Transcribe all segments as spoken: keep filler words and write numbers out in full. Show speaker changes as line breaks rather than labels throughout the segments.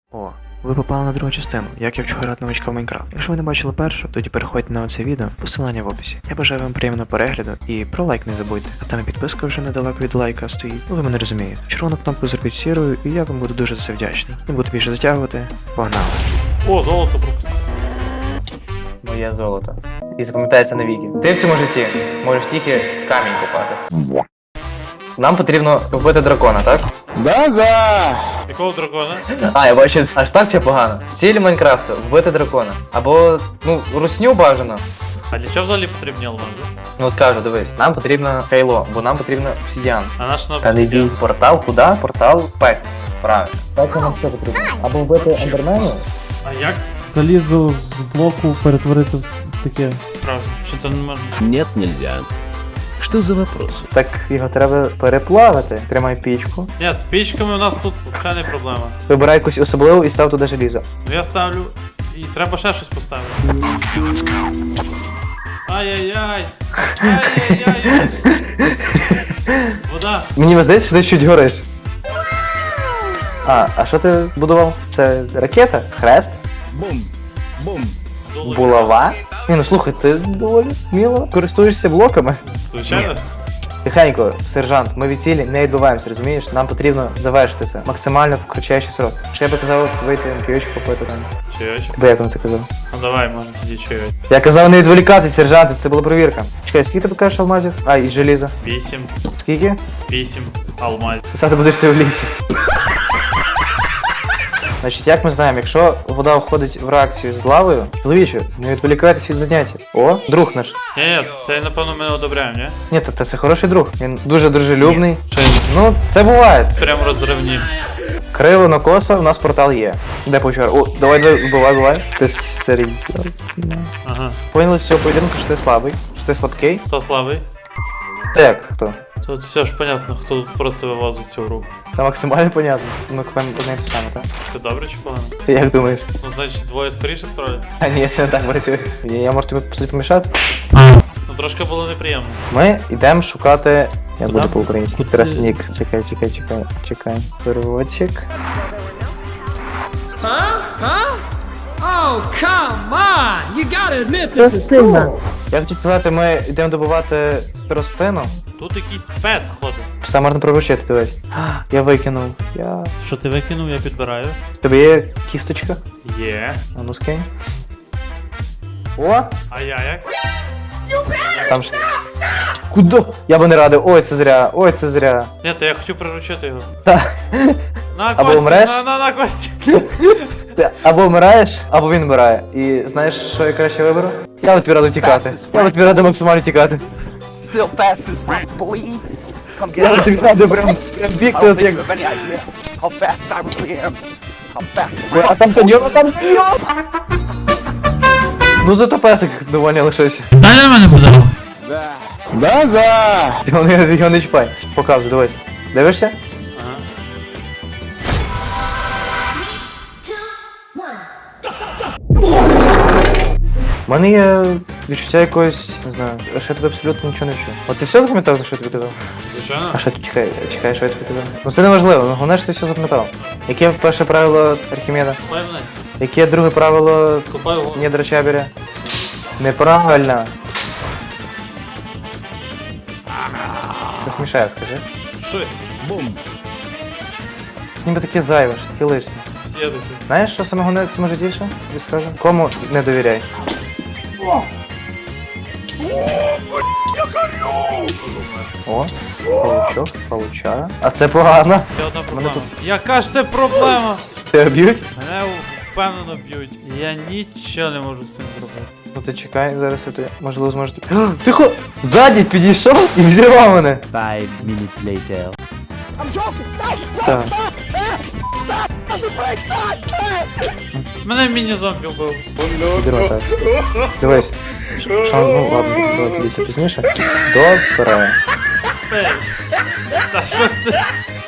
О, ви попали на другу частину, як я вчу грати новичка в Майнкрафт. Якщо ви не бачили першу, тоді переходьте на оце відео, посилання в описі. Я бажаю вам приємного перегляду і про лайк не забудьте. А там і підписка вже недалеко від лайка стоїть. Ну ви мене розумієте. Червону кнопку зробіть сірою, і я вам буду дуже за це вдячний. Не буду більше затягувати. Погнали.
О, золото пропустив.
Моє золото. І запам'ятається навіки. Ти в цьому житті можеш тільки камінь купати. Нам потрібно вбити дракона, так?
Да-да!
Якого дракона?
А, я бачу, аж так чи погано. Ціль Майнкрафту вбити дракона. Або, ну, русню бажано.
А для чого взагалі потрібні алмази?
Ну от кажу, дивись, нам потрібно хейло, бо нам потрібно обсидіан.
А наш на
Та не бій. Портал куди? Портал пек. Правильно. Так нам що потрібно? Або вбити ендермену.
А як
Залізо з блоку перетворити в таке.
справді? Що це не можна?
Нет, нельзя. Что за вопрос?
Так його треба переплавити. Тримай пічку.
Ні, з пічками у нас тут взагалі не проблема.
Вибирай якусь особливу і став туди желізо.
Ну я ставлю. І треба ще щось поставити. Ай-яй-яй! Ай-яй-яй! Вода!
Мені здається, що ти чуть гориш. А, а що ти будував? Це ракета? Хрест?
Бум! Бум!
Долу.
Булава? Ні, ну слухай, ти доволі сміло користуєшся блоками.
Звичайно?
Тихенько, сержант, ми від цілі не відбуваємося, розумієш? Нам потрібно завершити це максимально в кратчайший срок. Що я би казав, вийти п'ючку попити там.
Чайочок.
Тебе як він це казав?
Ну давай, можна тоді чайочок.
Я казав не відволікатись, сержант, це була перевірка. Чекай, скільки ти покажеш алмазів? А, і желіза.
Вісім.
Скільки?
Вісім. Алмазів.
Писати будеш ти в лісі. Значить, як ми знаємо, якщо вода входить в реакцію з лавою, чоловіче, не відволікайтесь від заняття. О, друг наш.
Ні, ні, це напевно ми не одобряємо, ні?
Ні, та, та це хороший друг. Він дуже дружелюбний.
Чи
Ну, це буває.
прям розривні.
Криво на косо, у нас портал є. Де почар? О, давай, давай, вбивай, вбивай. Ти серйозно.
Ага.
Поняли з цього поєдинку, що ти слабий, що ти слабкий.
Хто слабий?
Так, хто?
Тут все ж понятно, хто тут просто вивозить цю гру.
Та максимально понятно. Ми купимо одне і те саме, так?
Це добре чи погано?
Ти як думаєш?
Ну, значить, двоє скоріше справляться?
А ні, це не так працює. Я, я можу тобі по суті помішати?
Ну, трошки було неприємно.
Ми йдемо шукати. Я
Куда?
буду по-українськи. Трасник. Чекай, чекай, чекай, чекай. Переводчик.
Oh, come on! You gotta admit this is cool.
Я хотів сказати, ми йдемо добувати тростину.
Тут якийсь пес ходить.
Все можна приручити, дивись. Я викинув. Я...
Що ти викинув, я підбираю.
В тебе є кісточка?
Є.
А ну скинь. О!
А я як?
Там ж. Куди? Я би не радив. Ой, це зря. Ой, це зря.
Ні, то я хотів приручити його.
Та.
На
Або
Кості,
вмреш?
на, на, на Кості.
Ти або вмираєш, або він вмирає. І знаєш, що я краще виберу? Я от тобі раду тікати. Я от тобі раду максимально тікати.
Still fast as fuck, boy. Come
Я
get
от тобі раду прям, прям бігти
I
от
don't
як...
think of any idea how fast I really am. How fast as
Ой, а
fuck.
там каньйон, а там каньйон! Ну зато песик доволі лишився.
Дай на мене буде.
Да-да!
Ти його не, його не чіпай. Показуй, давай. Дивишся?
Ага.
У мене є відчуття якогось, не знаю, що я тобі абсолютно нічого не вчу. От ти все запам'ятав, за що я тобі казав?
Звичайно.
А що ти чекай, чекай, що я тобі казав? Ну це не важливо, ну головне, що ти все запам'ятав. Яке перше правило Архімеда?
Купай вниз.
Яке друге правило
Купай його.
недра Чабіря? Неправильно. Щось мішає, скажи.
Щось.
Бум!
Ніби таке зайве, що таке лишнє.
Съедете.
Знаєш, що саме головне в цьому житті ще? Тобі скажу? Кому не довіряй. О, паучок, пауча. А це погано.
Ще одна проблема.
тут-
Яка ж це проблема?
Тебе б'ють?
Мене впевнено б'ють. Я нічого не можу з цим зробити.
Ну ти чекай, зараз я ти можливо зможу. Тихо! Ззаді підійшов і взірвав мене.
Five minutes later.
Так.
Мене міні-зомбі вбив.
Підірвав так. Дивись. Що, ну ладно, давай тоді це пізніше. Добре.
Ей. Та що ж ти?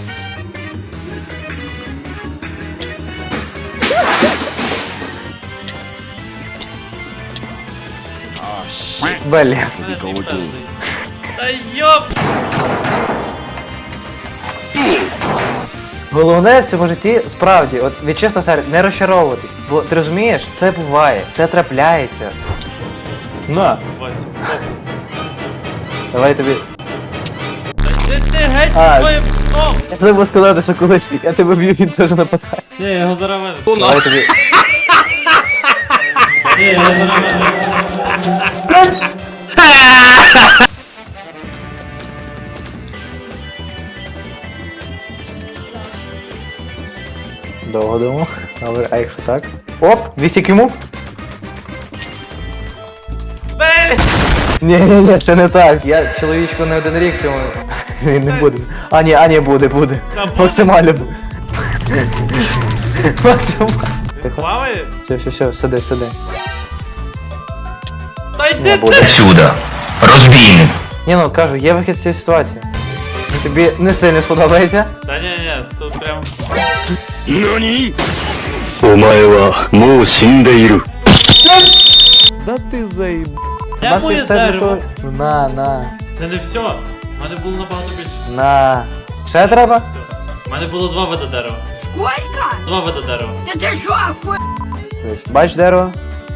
Беллі.
Мене твій пес заїв. Та йоп!
Головне в цьому житті справді, от від чесно серця, не розчаровуватись. Бо ти розумієш, це буває, це трапляється. На,
Вася, оп.
давай тобі.
Ти, ти геть
А.
своїм псом!
Я забув сказати, що коли я тебе б'ю, він теж нападає.
Ні, я його зараз винесу.
Давай тобі.
Ні, я його зараз винесу.
Довго думав. Добре, а якщо так? Оп, вісік йому.
Бель!
Ні, ні, ні, це не так. Я чоловічку не один рік цьому. Він не буде. А ні, а ні, буде, буде.
Та буде.
Максимально буде. Максимально.
Плаває?
Все, все, все, сиди, сиди.
Та йди ти!
Отсюда. Розбійник.
Ні, ну кажу, є вихід з цієї ситуації. Ну, тобі не сильно сподобається.
Та ні, ні, тут прям...
Да ты заеб...
У
Я
нас є
моє
все
дерево.
для того. На, на,
Це не все. У мене було набагато більше.
на. Ще треба?
Все. У мене було два вида дерева.
Сколько?
Два вида дерева.
Да ты что, охуел?
Дивись, бач дерево?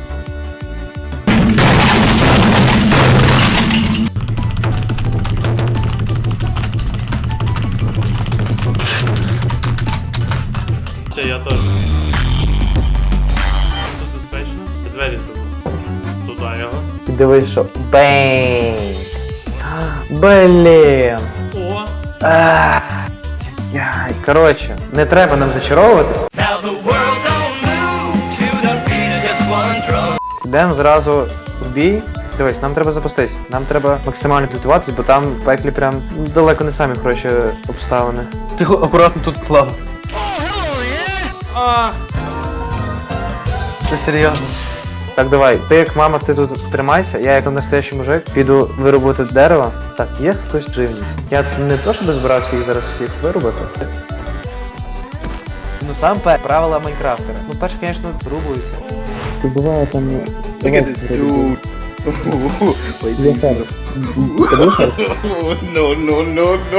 Все, я теж. Тут безпечно. Я двері зроблю. Туди його.
І дивись, що. Бейн. Блін.
О!
Ах, яй. Коротше, не треба нам зачаровуватись. Йдемо зразу в бій. Дивись, нам треба запуститись. Нам треба максимально підготуватись, бо там в пеклі прям далеко не самі хороші обставини. Ти акуратно тут плав.
А!
Ти серйозно? Так, давай. Ти як мама, ти тут тримайся, я як настоящий мужик піду вирубати дерево. Так, є хтось живність. Я не то, щоб збирався їх зараз всіх вирубати. Ну сам пер, правила Майнкрафтера. Ну перше, звісно, врубуюся.
Ти буває там...
Look at this dude. Wait till you see the... No, no, no, no.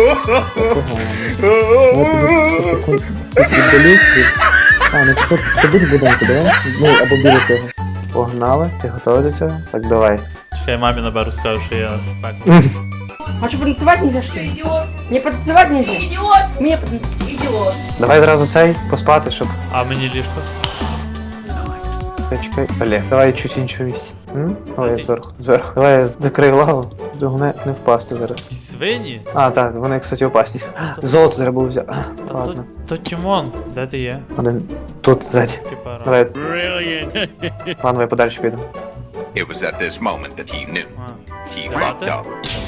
А, ну тепер ти будеш будинку, давай? Ну, або біля того.
Погнали, ти готовий до цього? Так, давай.
Чекай, мамі наберу, скажу, що я пекло.
А что, потанцевать нельзя, что ли? Идиот. Мне потанцевать нельзя? Идиот. Мне потанцевать. Идиот.
Давай зразу цей поспати, щоб.
А мені ліжко?
Чекай, чекай. Олег, давай чуть іншого місця. М? Ой, зверху, зверху. Давай закрий голову. Головне не впасти зараз.
І свині?
А, так, вони, кстати, опасні. Золото треба було взяти.
Та
Ладно.
то, то Тімон, де ти є?
Один. Тут, ззаді.
Кипара.
Давай. Ладно, я подальше піду.
It was at this moment that he knew.
А.
He
Давайте.
fucked up.